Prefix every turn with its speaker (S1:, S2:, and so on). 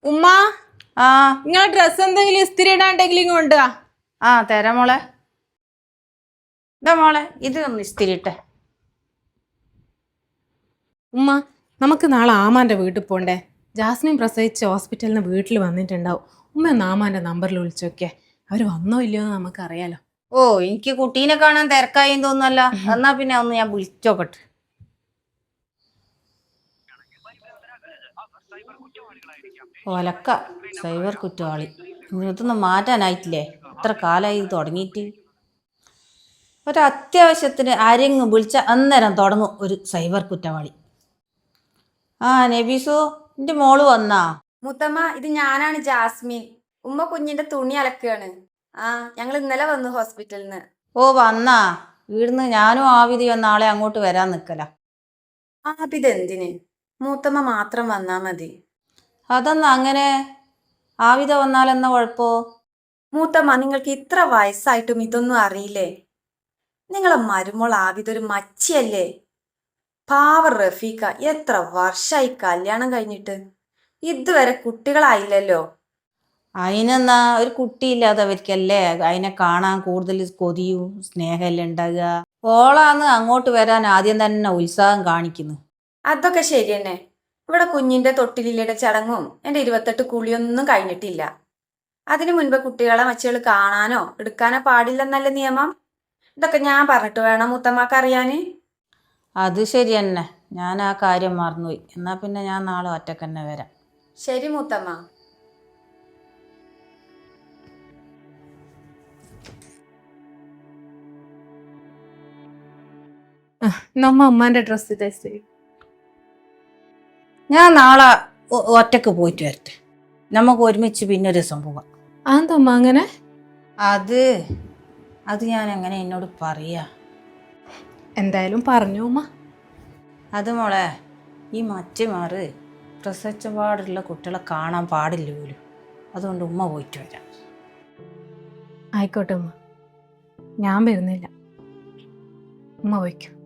S1: ഉമ്മ
S2: ആ
S1: നിങ്ങളെ ഡ്രസ് എന്തെങ്കിലും ഇസ്തിരി ഇടാണ്ടെങ്കിലും കൊണ്ടുവാ.
S2: ആ തരാം മോളെ. ഇതാ മോളെ, ഇത് ഒന്ന് ഇസ്തിരി ഇട്ടെ.
S1: ഉമ്മ നമുക്ക് നാളെ ആമാന്റെ വീട്ടിൽ പോണ്ടേ? ജാസ്മിൻ പ്രസവിച്ച് ഹോസ്പിറ്റലിൽ നിന്ന് വീട്ടിൽ വന്നിട്ടുണ്ടാവും. ഉമ്മ ഒന്ന് ആമാന്റെ നമ്പറിൽ വിളിച്ചോക്കെ. അവർ വന്നോ ഇല്ലയോ എന്ന് നമുക്കറിയാലോ.
S2: ഓ, എനിക്ക് കുട്ടീനെ കാണാൻ തിരക്കായി തോന്നല്ല. എന്നാ പിന്നെ ഒന്ന് ഞാൻ വിളിച്ചോക്കട്ടെ. ഒലക്ക സൈബർ കുറ്റവാളി. ഇതൊന്നും മാറ്റാനായിട്ടില്ലേ? എത്ര കാലമായി തുടങ്ങിയിട്ട്. ഒരത്യാവശ്യത്തിന് ആരെങ്കിലും വിളിച്ച അന്നേരം തുടങ്ങും ഒരു സൈബർ കുറ്റവാളി. ആ നബീസു, എൻ്റെ മോള് വന്നാ?
S3: മുത്തമ്മ, ഇത് ഞാനാണ് ജാസ്മിൻ. ഉമ്മ കുഞ്ഞിന്റെ തുണി അലക്കുകയാണ്. ഞങ്ങൾ ഇന്നലെ വന്നു ഹോസ്പിറ്റലിൽ നിന്ന്.
S2: ഓ വന്നാ? വീടിന്ന് ഞാനും ആവിധി നാളെ അങ്ങോട്ട് വരാൻ നിൽക്കല.
S3: ഇതെന്തിന്? മൂത്തമ്മ മാത്രം വന്നാ മതി.
S2: അതെന്നാ അങ്ങനെ? ആവിധ വന്നാലെന്നാ കുഴപ്പോ?
S3: മൂത്തമ്മ, നിങ്ങൾക്ക് ഇത്ര വയസ്സായിട്ടും ഇതൊന്നും അറിയില്ലേ? നിങ്ങളെ മരുമോൾ ആവിധൊരു മച്ചിയല്ലേ? പാവ റഫീഖ എത്ര വർഷമായി കല്യാണം കഴിഞ്ഞിട്ട്, ഇതുവരെ കുട്ടികളായില്ലല്ലോ.
S2: അതിനെന്നാ, ഒരു കുട്ടിയില്ലാത്തവർക്കല്ലേ അതിനെ കാണാൻ കൂടുതൽ കൊതിയും സ്നേഹമല്ലേ ഉണ്ടാകുക. ഓളാന്ന് അങ്ങോട്ട് വരാൻ ആദ്യം തന്നെ ഉത്സാഹം കാണിക്കുന്നു.
S3: അതൊക്കെ ശരി തന്നെ. ഇവിടെ കുഞ്ഞിന്റെ തൊട്ടിലിയുടെ ചടങ്ങും എൻ്റെ 28 കുളിയൊന്നും കഴിഞ്ഞിട്ടില്ല. അതിനു മുൻപ് കുട്ടികളെ മച്ചുകൾ കാണാനോ എടുക്കാനോ പാടില്ലെന്നല്ലേ നിയമം? ഇതൊക്കെ ഞാൻ പറഞ്ഞിട്ട് വേണം മുത്തമ്മക്ക് അറിയാന്.
S2: അത് ശരി തന്നെ, ഞാൻ ആ കാര്യം മറന്നുപോയി. എന്നാ പിന്നെ ഞാൻ നാളെ ഒറ്റക്ക് തന്നെ വരാം.
S3: ശരി മുത്തമ്മ.
S1: നമ്മ അമ്മാന്റെ ഡ്രസ് തേച്ച്
S2: ഞാൻ നാളെ ഒറ്റക്ക് പോയിട്ട് വരട്ടെ. നമുക്ക് ഒരുമിച്ച് പിന്നെ ഒരു ദിവസം പോവാം.
S1: അതെന്തമ്മ അങ്ങനെ?
S2: അത് ഞാൻ എങ്ങനെ എന്നോട് പറയാ?
S1: എന്തായാലും പറഞ്ഞു ഉമ്മ.
S2: അത് മോളെ, ഈ മറ്റുമാറ് പ്രസവിച്ച പാടുള്ള കുട്ടികളെ കാണാൻ പാടില്ല പോലും. അതുകൊണ്ട് ഉമ്മ പോയിട്ട് വരാം.
S1: ആയിക്കോട്ടെ ഉമ്മ, ഞാൻ വരുന്നില്ല. ഉമ്മ വയ്ക്കും.